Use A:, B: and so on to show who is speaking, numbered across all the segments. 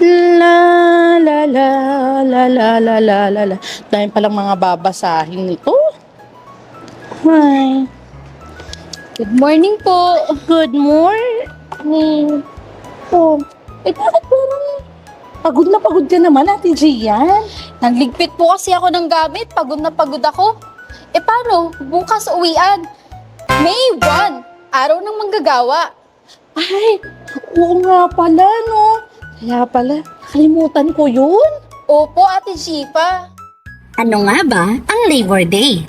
A: La la la la la la la la la. Dahil palang mga babasahin nito. Hi.
B: Good morning po.
A: Good morning. Oh, bakit parang pagod na pagod ka naman, Ate Gian?
B: Nagligpit po kasi ako ng gamit. Pagod na pagod ako. Paano? Bukas uwian. May 1, araw ng manggagawa.
A: Ay, oo nga pala, no? Kaya pala, kalimutan ko yun.
B: Opo, Ate Shifa.
C: Ano nga ba ang Labor Day?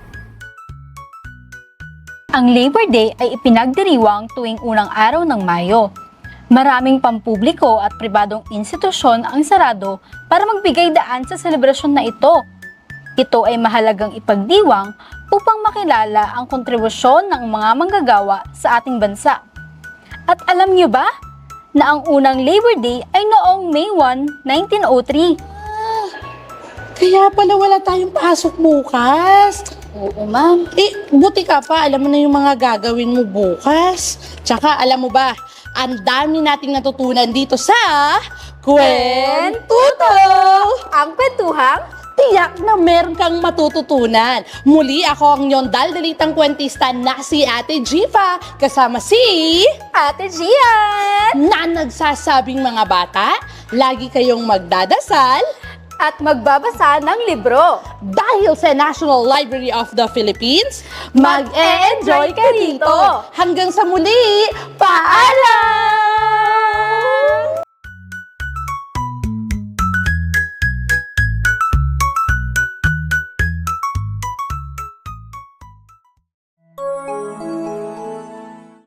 D: Ang Labor Day ay ipinagdiriwang tuwing unang araw ng Mayo. Maraming pampubliko at pribadong institusyon ang sarado para magbigay daan sa selebrasyon na ito. Ito ay mahalagang ipagdiwang upang makilala ang kontribusyon ng mga manggagawa sa ating bansa. At alam niyo ba na ang unang Labor Day ay noong May 1, 1903?
A: Kaya pala wala tayong pasok bukas.
B: Oo, ma'am.
A: Buti ka pa, alam mo na yung mga gagawin mo bukas. Tsaka, alam mo ba, ang dami nating natutunan dito sa Kwentuto!
B: Ang kwentuhang
A: Tiyak na meron kang matututunan. Muli ako ang inyong daldalitang kwentista na si Ate Jifa, kasama si
B: Ate Gian.
A: na nagsasabing mga bata, lagi kayong magdadasal
B: At magbabasa ng libro.
A: dahil sa National Library of the Philippines,
B: Mag-e-enjoy ka dito.
A: Hanggang sa muli, paalam!